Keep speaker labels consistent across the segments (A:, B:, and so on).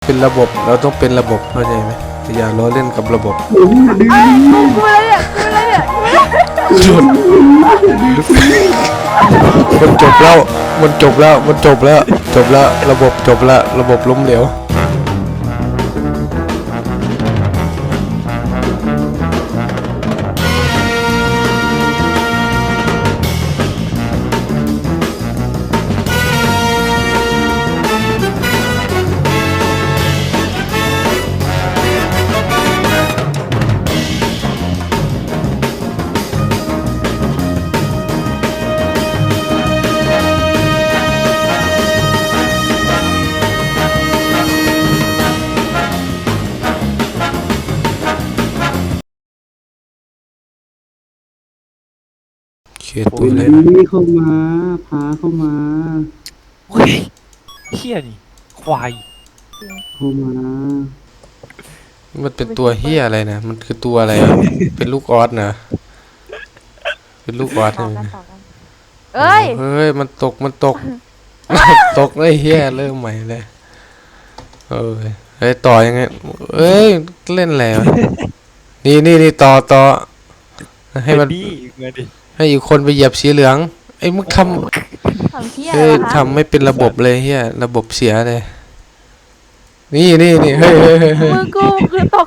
A: เป็นระบบเราต้องเป็นระบบเข้าใจไหมอย่าล้อเล่นกับระบบ
B: กูอะไรเนี่ย
A: หยุดมันจบแล้วมันจบแล้วมันจบแล้วจบแล้วระบบจบแล้วระบบล้มเหลวเขียนปืนเลยนะ
C: นี่เข้ามาพาเข้ามา
D: เฮ้ยเฮี้ยนี่ควาย
C: เข้ามา
A: มันเป็นตัวเฮียอะไรนะมันคือตัวอะไรอะเป็นลูกออสนะเป็นลูกออส
B: ต่อ
A: ใช่ไหม
B: กันต่อกันเอ้ย
A: เฮ้ยมันตกตกไอ้เฮียเริ่มใหม่เลยเฮ้ยต่อยังไงเอ้ยเล่นแล้วนี่ต่อให้มัน
D: ดีเงินดิ
A: ให้อีกคนไปเหยียบสีเหลืองไอ้มึงท
B: ทำเพี้ย
A: ำ
B: อะไร
A: เฮ้ยว
B: ะคะ
A: ทำไม่เป็นระบบเลยเฮียระบบเสียเลยนี่เฮ้ย
B: มือกูคือตก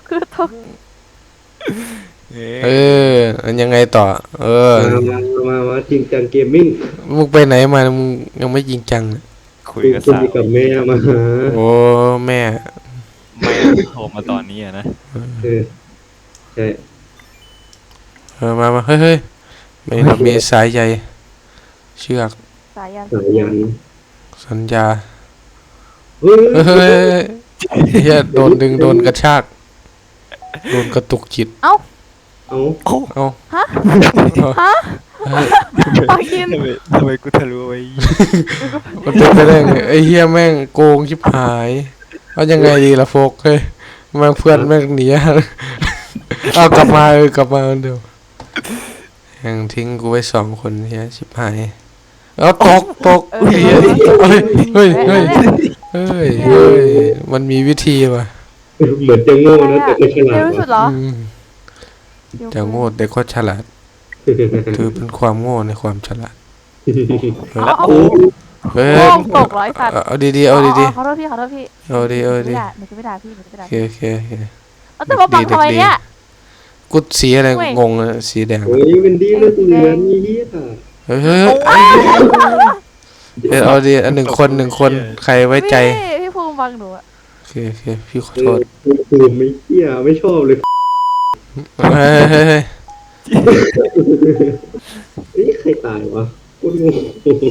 A: มันยังไงต่อ
C: มาจริงจังเกมมิ่ง
A: มึงไปไหนมามึงยังไม่จริงจังเลย
D: คุย
C: กู
D: กับ
C: คุ
D: สาวย
C: กับแม่มาหา
A: โอ้แม่
D: แม่โทรมาตอนนี้อะนะ
C: ใช่
A: มาเฮ้ยไม่เรามีสายใยเชือก
B: สายัน
C: สายยัน
A: สัญญา
C: เฮ้ย
A: เฮ้ยเฮียโดนดึงโดนกระชากโดนกระตุกจิต
B: เอ้า
C: เอา
A: เอ้า
B: ฮะ
A: เฮ้ย
B: ปากิน
D: ทำไมกูทะลุไว้
A: มันเป็นไปได้ไงไอ้เฮียแม่งโกงชิบหายเอายังไงดีล่ะโฟกเฮ้ยแม่งเพื่อนแม่งหนีเอากลับมาเดี๋ยวยังทิ้งกูไว้2 คนเฮียชิบหายเอาตกเฮ้ยมันมีวิธีว่ะ
C: เหมือนจะโง่นะแต่ก็ฉลา
B: เร็
C: ด
B: วที่สุดเหรอ
A: แต่โง่แต่ก็ฉลาดถือเป็นความโง่ในความฉลาด
B: เอา
A: เฮ้ย
B: โอ้ตกร้อยสัตว์
A: เอาดีๆเอาดี
B: ขอโทษพี่
A: ๆเอาดี
B: หนูจะไม่ด่าพี่
A: โอเค
B: เอาแต่มาปังทำไมเนี่ย
A: กุดสีอะไร
B: เว้ย
A: งงเลยสีแดง
C: เฮ้ยเป็นดีเลยตัวเหลือนี่เฮีย
A: เฮ้ยเอาดีอัน1 คนใครไว้ใจ
B: พี่ภูมิบังหนูอะ
A: โอเคพี่ขอโทษ
C: กูไม่เฮียไม่ชอบเลย
A: เฮ้ย
C: เฮ้ยใครตายวะกูงง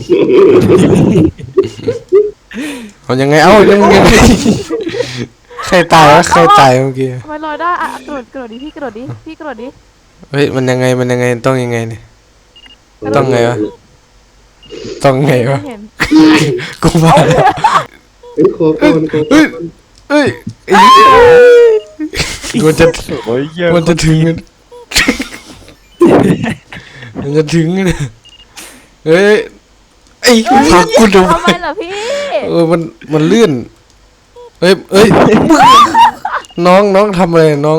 A: เอายังไงยังไงใครตายวะใครตายเมื่อกี้
B: ทำไมลอยได้อะกระโดดดิพี่กระโดดดิ
A: เฮ้ยมันยังไงต้องยังไงเนี่ยต้องไงวะ
B: เห็น
A: กูมาแล้ว
C: เฮ้ยขอก่อน
A: เฮ้ยมันจะ
D: โอ้ยเยอะ
A: มันจะถึงกันมันจะถึงกันเฮ้ยไอ้พักกูดู
B: ทำไมล่ะพี่
A: มันเลื่อนเอ้ยน้องทำอะไรน้อง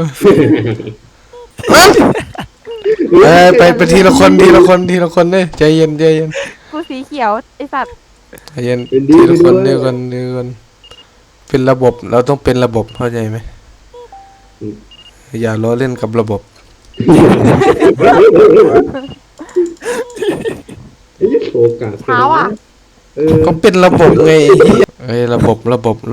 A: ไปทีละคนเนี่ยใจเย็น
B: กูสีเขียวไอสัตว์
A: ใจเย็นทีละคนเดียวกันเป็นระบบเราต้องเป็นระบบเข้าใจไหมอย่าล้อเล่นกับระบบ
C: ไอ้โฟกัส
B: เช้าอ่ะ
A: ก็เป็นระบบไงเฮ้ยระบบ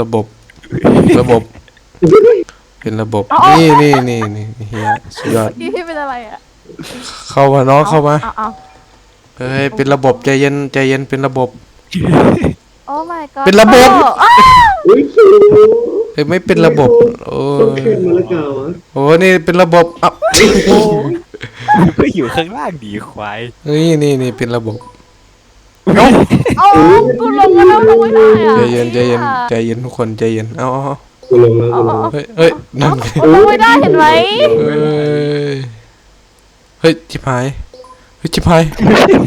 A: เป็นระบบนี่เฮียสุดยอด
B: พี่เป็นอะไรอ่ะ
A: เข้ามาน้องเข้ามา
B: เอา
A: เฮ้ยเป็นระบบใจเย็นเป็นระบบ
B: โอ้ my god
A: เป็นระบบ
C: เฮ้ยคิว
A: เฮ้ยไม่เป็นระบบโอ้
C: ต้องขึ้นมาแล้วกาวะ
A: โหนี่เป็นระบบอ่ะ
D: ก็อยู่ข้างล่างดีควาย
A: นี่เป็นระบบ
B: เอากูลงมาแล้วลงไม่ได้อ่ะ
A: ใจเย็นทุกคนใจเย็นเอา
C: กูลงแล้วกูลง
A: เฮ้ยนั่นไง
B: ลงไม่ได้เห็นไหม
A: เฮ้ยชิบหาย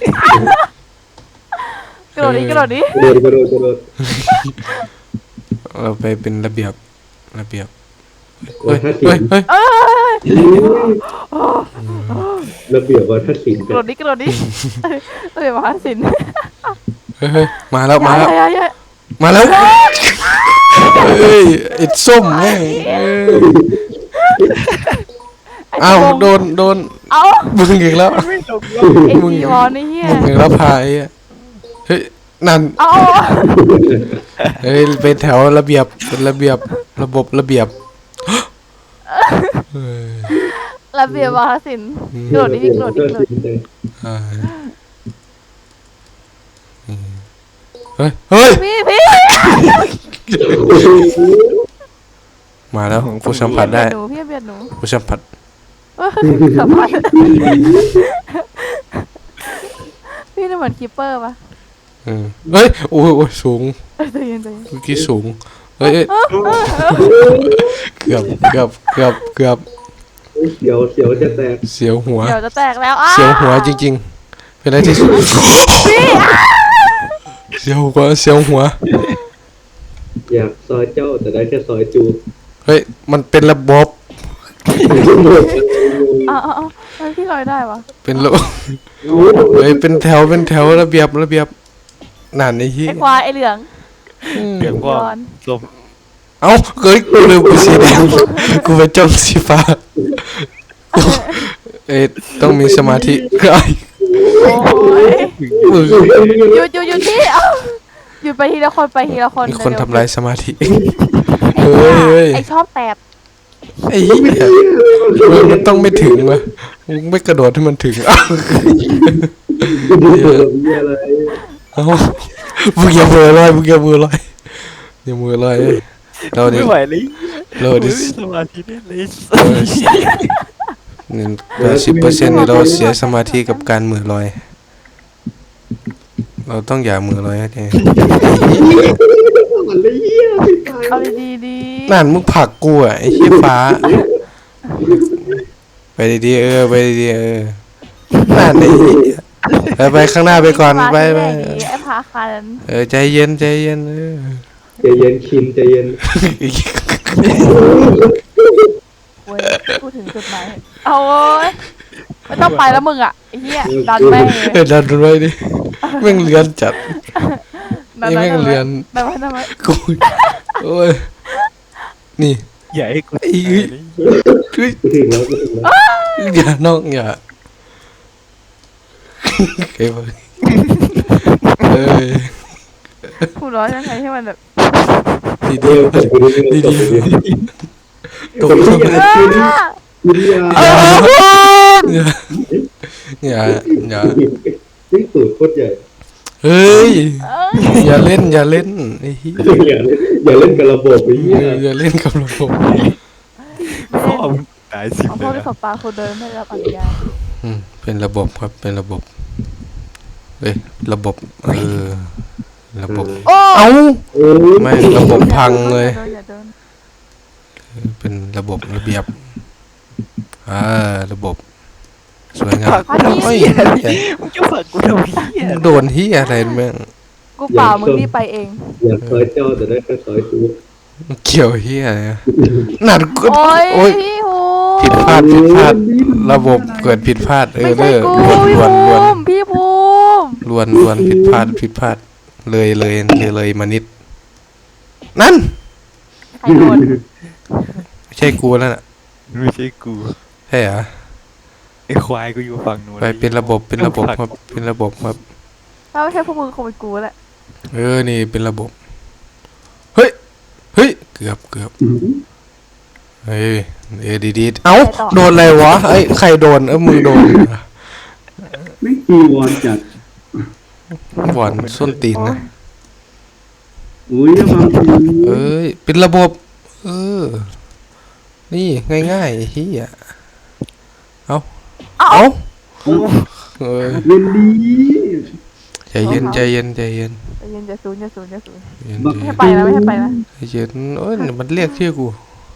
B: กระโดดดิ
C: กระโดด
A: เราไปเป็นระเบียบระเบียบ
C: วั
A: เฮ้ย
C: ฒนศิ
A: เฮ้ย
C: ลป์
A: เฮ้ย
C: ระเบียบวัฒนศิลป์
B: กระโดดดิกระโดดดิเอ้ยมหาศิลป์
A: เฮ้ยมาแล้วมาแล้ว
B: อย่า
A: มาแล้วเฮ้ยไอ้ส้มแม่งอ้าวโดน
B: เอา
A: มึงอีกแล้ว
D: ไม่ลง
B: ไอ้จีวอนไอ้เหี้ย
A: มึงอีกแล้วพายอ่ะเฮ้ยนั่น
B: เอา
A: เฮ้ยเป็นแถวระเบียบเป็นระเบียบระบบระเบียบเฮ้ย
B: ระเบียบมหาศิลป์กระโดดดิกระโดดดิกระโดดดิ
A: อ่าเฮ้ยเฮ้ย
B: พี่
A: มาแล้วกูสัมผัสได้
B: หนูพี่เบียดหนู
A: กูสัมผัส
B: สัมผัสพี่นี่เหมือนคิปเปอร์ปะ
A: เฮ้ยโอ้ยสูง
B: ใจเย็น
A: เมื่อกี้สูงเฮ้ยเกือบ
C: เสียวจะแตก
A: เสียวหัว
B: เดี๋ยวจะแตกแล้ว
A: เสียวหัวจริงๆ เป็นอะไรที่สุดเสียวหัว
C: อยากซอยเจ้าแต่ได้แค่ซอยจู
A: เฮ้ยมันเป็นระบบ
B: เอาพี่ลอยได้ปะ
A: เป็นระบบเฮ้ยเป็นแถวระเบียบนั่นไอ้ที่
B: ไอ้ควายไอ้เหลือง
D: เดี๋ยวก็ส้ม
A: เอ้าเฮ้ยกูลืมกูสีแดงกูไปจ้องสีฟ้าเอ้ยต้องมีสมาธิไอ้
B: โอ้ย
A: มึง
B: หยุดที่หยุดไปทีละคน
A: มีคนทำลายสมาธิ
B: เฮ้
A: เฮ้ย
B: ไอชอบแตบ
A: ไอ้เหี้ยมันต้องไม่ถึงวะมึงไม่กระโดดให้มันถึงอ้าว
C: อะไร
A: เอ้ามึงอย่าเบื่อลอยอย่ามือลอยเราดิ
D: ไม่ไหวเลย
A: เราดิ
D: ไม่มีสมาธิได้เลย
A: 10%เราเสียสมาธิกับการมือลอย เราต้องอย่ามือลอยให้ได้
C: มันเลยเหี้ยไม่ตาย
B: เอาดี
A: นั่นมึงผลักกูอ่ะไอ้ขี้ฟ้า ไปดีๆไปดีๆนั่นไอ้เหี้ยไปข้างหน้าไปก่อนไป
B: ไอ้พาคัน
A: ใจเย็น
C: ใจเย็นคิมใจเย็น
B: เว้ยพูดถึงจุดหมายเอาเว้ยไม่ต้องไปแล้วมึงอ่ะไอ้เหี้ยดันแม่งเลย
A: ดันไว้ดิแม่งเลือนจัด ไอ้แม่งเลือน
B: ดันไว้
A: กูโอ้ยนี่
D: อย่าให้กู
A: ไอ้เฮ้ย
C: กูถึงแล้ว
A: อย่าน้องอย่าเก็บเอ้ย
B: พูดร้อยยังไงให้มันแบบ
A: ดี
C: เดี๋ยวผมกูดู
A: ดีดีตก
C: อย่า
A: อย่า
C: นี่สูตรโคตรใหญ่
A: เฮ้ยอย่าเล่นไอ้เหี้ย
C: อย่าเล่นกับระบบไอ้เหี้ย
A: อย่าเล่นกับระบบ
D: พ่อมึงตายสิบ
B: เอา
D: เล
B: พวก
D: ย
B: ที่
D: นะ
B: สบปลาคนเดินไม่ได้รับอนุญาต
A: เป็นระบบครับเป็นระบบระบบระบบ
B: โอ้
A: เอ้า
C: โอ้
A: ไม่ระบบพังเลย
B: อย่าเดิน
A: เป็นระบบระเบียบระบบสวยงาม
D: กูทำ
A: เฮ้ย
D: เหี้ยมึงจะฝังกูทำเหี้ย
A: โดนที่อะไรแม่ง
B: กูเปล่ามึงนี่ไปเอง
C: อยากซอยเจ้าแต่ได้แค่ซอยจู
A: เกี่ยวที่อะไรนั่นก็
B: โอ้ย
A: โอ้ย
B: พี่ภู
A: ผิดพลาดระบบเกิดผิดพลาด
B: ไม่ใช่กูพี่
A: ล้วน
B: ภูมิพี่ภูมิ
A: ล้วนผิดพลาดเลยมานิดนั่น
B: ใครโดน
A: ไม่ใช่กูแล้วน่ะ
D: ไม่ใช่กู
A: ใช่เหรอ
D: ไอ้ควายกูอยู่ฝั่งนู้น
A: ไปเป็นระบบครับเป็นระบบครับ
B: ถ้าไม่ใช่พวกมึงคงเป็นกูแหละ
A: นี่เป็นระบบเฮ้ยเกือบเฮ้ยดีเอ้าโดนอะไรวะใครโดนมึงโดน
C: ไม่กีวอนจัด
A: หวานส้นตีนนะ
C: อุ้ยบางที
A: เป็นระบบนี่ง่ายๆเฮียเอ้า
C: เล่นดี
A: ใจเย็น
B: ใจเย็นอย่าสูญไม่ให้ไปนะ
A: ใจเย็นโอ้ยมันเรียกชื่อกู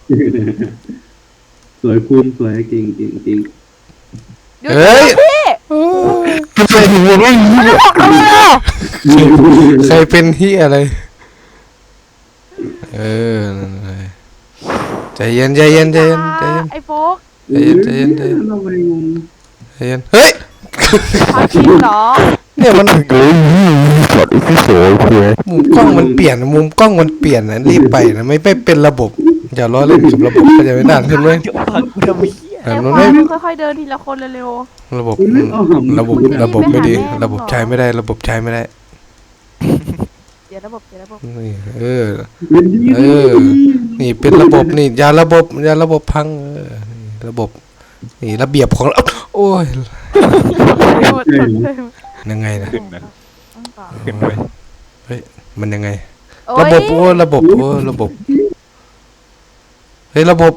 C: สวยคุณสวยเก่ง
B: เฮ้ยพี่
A: ใครเป็นใครเป็นเฮียอะไรเออนั่นเลยใจเย็นใจเย็นใจเย็นใจเย็น
B: ไอ้โฟก
A: ใจเย็นใจเย็นใจเย็น
C: เราไปงง
A: ใจเย็นเฮ้ย
B: พาคินเหรอ
A: เนี่ยมัน
D: กดอีกโซ่เพื่อ
A: มุมกล้องมันเปลี่ยนมุมกล้องมันเปลี่ยนนะรีบไปนะไม่เป็นระบบอย่าล้อเล่นกับระบบเข้าใจไหมนานขึ้นไหม
D: เดี๋ยวฟังกูทำไมเหี้ย
B: ไอ้
A: มัน
B: ควา
A: ไม่
B: ยค่อยๆเดินทีละคนเร็ว
A: ระบบระบบไม่ดีระบบใช้ไม่ได้ระบบใช้ไม่ได้
B: ๆเดี๋ยวระบบเดี๋ยวระบบ
A: นี่เออ
C: เป็นดี
A: เออ นี่เป็นระบบนี่อย่าระบบพังนี่ระบบนี่ระเบียบของเราโอ้ย
B: หมดเลย
A: ยังไงนะ
D: ขึ้นนะ
B: ต้องต่อ
D: ขึ้นไป
A: เฮ้ยมันยังไง
B: โอ้
A: ระ
B: ย
A: บบโอ้ระบบโอ้ระบบเฮ้ยระบบ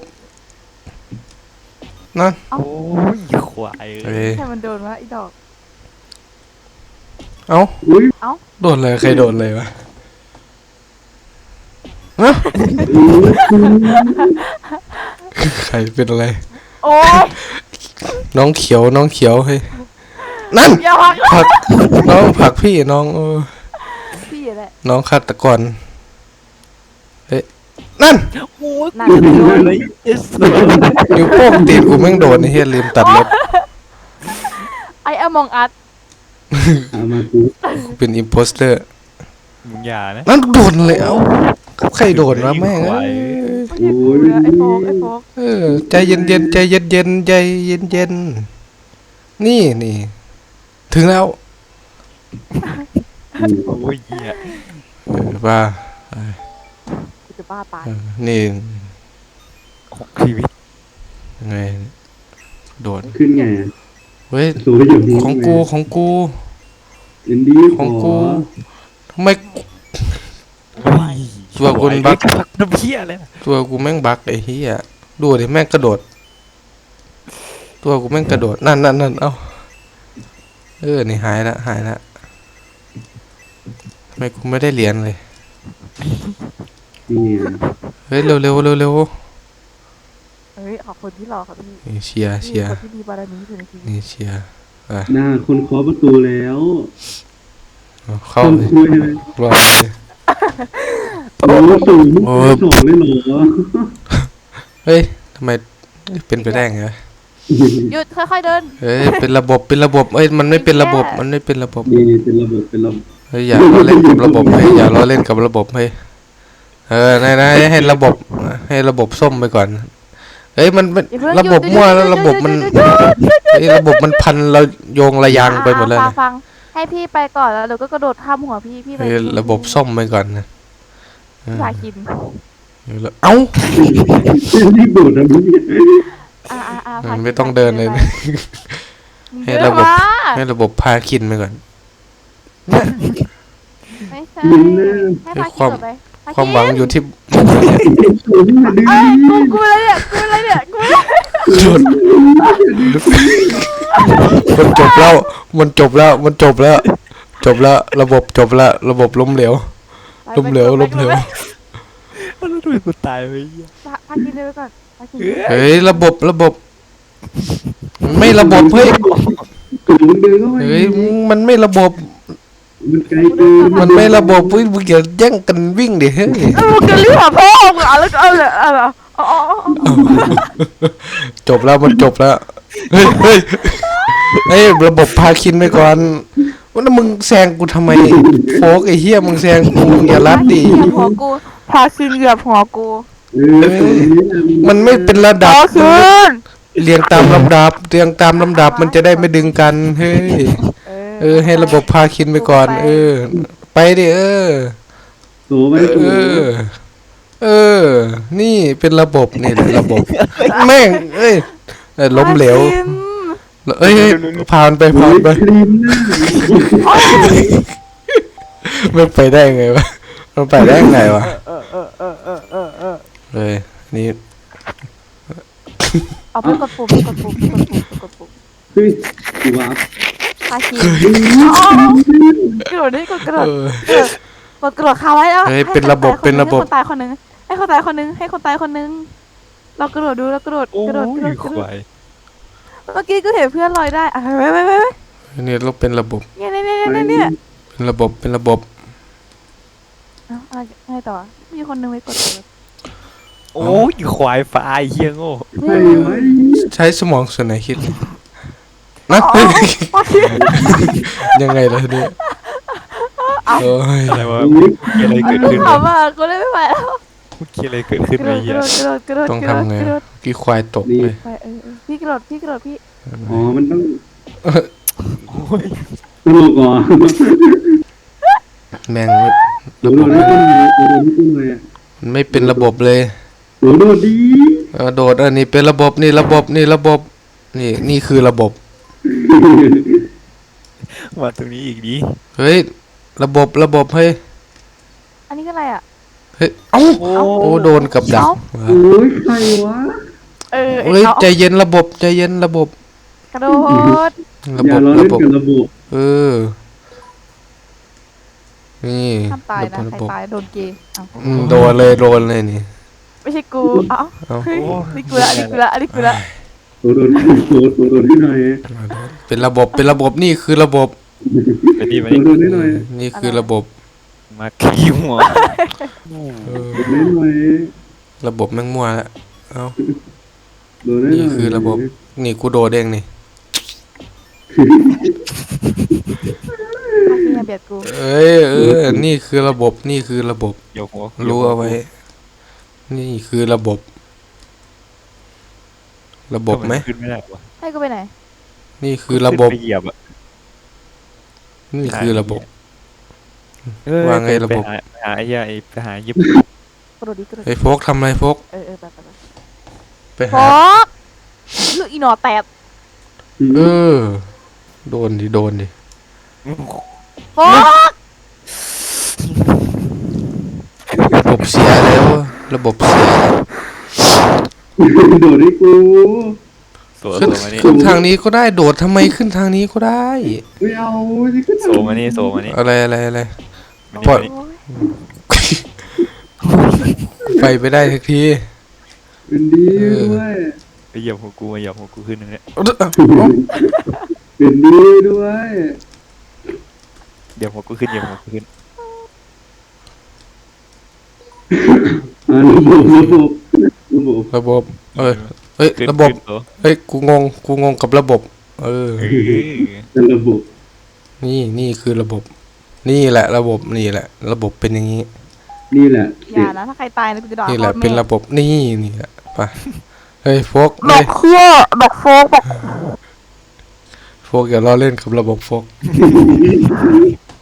A: นั่น
D: โอ้ยควาย
A: เฮ้ย
B: ให้มันโดนวะไอ้ดอก
A: เอ้า
C: อุ้ย
A: โดนเลยใครโดนเลยวะฮะใครเป็นอะไร
B: โอ้ย
A: น้องเขียวเฮ้ยนั่น
B: อย่าพัก
A: ผักน้องผักพี่น้อง
B: พี่แหละ
A: น้องฆาตกรเฮ้ยนั่น
D: โอ้ย
B: น่า
D: กู
B: จะโด
D: โด
B: น
D: นเลยเอส
A: นิ้วโป้งตีนกูแม่งโดนไอ้เฮียลืมตัดเล็บ
B: ไอ้อมองอัด
C: เอามากู
A: กูเป็นอิมโพสเตอร์
D: มึงอย่านะ
A: นั่นโดนเลยเอ้าใครโดนวะแม่งเอ้ย
B: ไม่ใช่กูนะไอ้โฟกไอ้โฟก
A: เออใจเย็นใจเย็นนี่ถึงแล้ว
D: โอ้ยเหี้ย
A: ว่า
B: กูจะบ้าตาย
A: นี่
D: ของชีวิต
A: ยังไงโดด
C: ขึ้นไง
A: เฮ้ย
C: สวยอยู่ดี
A: ของกู
C: เป็นดี
A: ของกูทำไม
D: โอ้ย
A: ตัวกูบัก
D: น้ำเหี้ยเลย
A: ตัวกูแม่งบักไอ้เหี้ยดูดิแม่งกระโดด ตัวกูแม่งกระโดดนั่นเอ้านี่หายละทำไมกูไม่ได้เหรียญเลย
C: นี่
A: เฮ้ยเร็ว
B: เฮ้ยขอบคุณที่รอครับพี่
A: นี่เชียร์
B: คนที่มีบารมีที่สุดในชีวิต
A: นี่เชียร์
C: หน้าคนเคาะประตูแล้ว
A: เอาเข้า
C: คน
A: เลย
C: คุยเลย
A: รอดเลย
C: โอ้สูง
A: โอ้
C: สองเลยเหรอ
A: เฮ้ยทำไมเป็นไปได้ไงวะ
B: หยุดค่อยๆเดิน
A: เฮ้ยเป็นระบบเอ้ยมันไม่เป็นระบบมันไม่เป็นระบบ
C: นี่เป็นระบบเป็นระบบ
A: เฮ้ยอย่าล้อเล่นกับระบบเฮ้ยอย่าล้อเล่นกับระบบเฮ้ยนายให้ระบบส้มไปก่อนเฮ้ยมันเป็น
B: อย่าเพิ่ง
A: ระบบ
B: หยุด
A: มั่ว
B: หยุด
A: แล้วระบบมัน
B: หยุดหยุดหยุด
A: เฮ้ยระบบมันพันเราโยงระยางไปหมดเลยนะ
B: ฟังให้พี่ไปก่อนแล้วเดี๋ยวก็กระโดดข้ามหัวพี่ไป
A: เฮ้ยระบบส้มไปก่อนนะ
B: พาคิน
A: เอ้า
C: รีบโดดนะมึง
B: พาคิน
A: ไม่ต้องเดินเลยนะ ให้
B: เดิน
A: ระบบ
B: มา
A: ให้ระบบพาคินไปก่อน
B: ไม่ใช่
C: มึงนะ
B: ให้พาคินต่อไปพ
A: ความหวังอยู่ที่
C: สูงมาดึง
B: เอ้ยกูอะไรเนี่ยกู
A: หยุดมันจบแล้วระบบจบแล้วระบบล้มเหลว
D: แล้วทำไมกูตายไปเหี้ย
B: พาคินเดินไปก่อนพาคิน
A: เฮ้ยระบบมันไม่ระบบเฮ้ย
C: สูงเดินเข้าไป
A: เฮ้ยมันไม่ระบบ
C: มันไกลเกิน
A: มันไม่ระบบเฮ้ยมึงอย่าแย่งกันวิ่งดิเฮ้ย
B: มึงจะรีบหาพ่อมึงแล้วเอาเลยอ๋อ
A: จบแล้วมันจบแล้วเฮ้ยระบบพาคินไปก่อนว่ามึงแซงกูทำไมโฟกไอ้เหี้ยมึงแซงกูอย่ารัดดิ
B: เหยียบหัวกูพาคินเหยียบหัวกู
A: มันไม่เป็นระดับ
B: คืน
A: เรียงตามลำดับมันจะได้ไม่ดึงกันเฮ้ยให้ระบบพาคินไปก่อนไปดิ
C: โตไปโต
A: นี่เป็นระบบนี่แหละระบบแม่งล้มเหลวผ่านไป
C: ครีมหน้า
A: มันไปได้ไงวะมันไปได้ไงวะเลยนี่
B: เอาไปกดปุ่ม
C: เฮ้ยกูว่า
B: พาคินกระโดดนี่กดกระโดดกดกระโดดคาไว้แล้วให้คนตายคนนึงให้คนตายคนนึงเรากระโดดดูเรากระโดด
D: โอ้ยควาย
B: เมื่อกี้ก็เห็นเพื่อนลอยได้ไป
A: นี่เราเป็นระบบ
B: เนี่ย
A: เป็นระบบ
B: อะไรต่อมีคนนึงไปกดเลย
D: โอ้ยควายฟ้าไอ้เหี้ยโง่
C: ใช่ไหม
A: ใช้สมองส่วนไหนคิดนะ ยังไงล่ะทีนี้โอ้ย
D: อะไรวะเมื่อกี้อะไรเกิดขึ้น
B: ถาม
D: วะ
B: ว่ากูเล่นไม่ไหวแล้ว
D: เมื่อกี้อะไรเกิดขึ้น
B: กระ
D: ไอ้
B: โด
D: เหี้ย
B: ดกระโดด
A: ต้อง
B: กระโดด
A: ทำไง
B: กระโดด
A: กี่ควายตกเลย
B: ไปพี่กระโดดพี่
C: อ๋อมันต้อง
D: โอ้ย
C: ตลกอ่ะ
A: แม่ง
C: โด
A: ระ
C: ด
A: บบ
C: ไม่ต้นเลยโดดไม่ต้นเลย
A: มันไม่เป็นระบบเลย
C: โดดดี
A: โดดนี่เป็นระบบนี่ระบบนี่ระบบนี่คือระบบ
D: มาตรงนี้อีกดิ
A: เฮ้ยระบบเฮ้ย
B: อันนี้ก็อะไรอ่ะ
A: เฮ้ยเอ้า
D: โอ้
A: โอ้โดนกับดัก
C: โอ้ยใครวะ
B: เออ
A: เฮ้ยใจเย็นระบบใจเย็นระบบ
B: กระโดด
A: ระ
C: อย่า
A: บบ
C: ล้อ
A: ระ
C: เล่น
A: บบ
C: กับระบบ
A: เออนี่
B: ห้ามตายนะ
A: ระ
B: ใคร
A: บบ
B: ตายโดนเกย์เอา
A: โดนเลยนี่
B: ไม่ใช่กูเอ้า
A: เอ้า
B: เฮ้ยนี่กูละ
C: โดดให้หน่อย
A: เป็นระบบนี่คือระบบ
D: ไปดิมา
C: โด
D: ดิ
C: ดให้หน่อย
A: นี่คือระบบ
D: มาขี้หัว
A: เออ
C: โดดให้หน่อย
A: ระบบแม่งมั่วแล้วเอ้า
C: โดดให้หน่อย
A: นี่คือระบบ นี่กูโดดเองนี่
B: พี่อย่าเบียดกู
A: นี่คือระบบนี่คือระบบ
D: เดี๋ยวหัว
A: รู้เอาไว้ นี่คือระบบ ระบบไหม
D: ขึ้นไม่ได้วะ
B: ให้กูไปไหน
A: นี่คือระบบ
D: ขึ้นไปเหยียบอ่ะ
A: นี่คือระบบ
D: เอ้ย
A: ว่าไงระบบ
D: ไปหาไอ้เหี้ยไอ้ไปหายิบ
B: กระโดดดิกระโดด
A: ไอ้โฟกทำอะไรโฟก
B: ไป
A: ไป
B: ฟ
A: หา
B: อกลูกอีหนอแตด
A: เออ โดนดิ
B: ฟอก
A: ระบบเสียแล้วอะระบบเสีย
C: โดดให้กู
D: โซมานี่
A: ขึ้นทางนี้ก็ได้โดดทำไมขึ้นทางนี้ก็ได้
C: ไม่เอาจะขึ้น
D: โซมานี่
A: อะไร
D: มา
A: ปล่อย
D: นี่
B: โอ้ย
A: ไปได้ทักที
C: เป็นดีด้วย
D: ไปเหยียบหัวกูมาเหยียบหัวกูขึ้นนึงเนี่ย
C: เป็นดีด้วย
D: เหยียบหัวกูขึ้นเหยียบหัวกูขึ้น
C: ระบบ
A: เฮ้ย
D: ขึ้น
A: ระบบ
D: ขึ้นตัว
A: เฮ้ยกูงงกับระบบ
D: เออ
C: เป็นระบบ
A: นี่คือระบบ นี่แหละระบบนี่แหละ ระบบเป็นอย่างนี้
C: นี่แหละ
B: อย่านะถ้าใครตายนะกูจะด่า
A: นี่แหละ
B: พ่อแม่
A: เป็นระบบนี่แหละไปเฮ้ยโฟก
B: บอ
A: เฮ้
B: ก
A: ย
B: เคี้ยบอกโฟกบอก
A: โฟกอย่าล้อเล่นกับระบบโฟก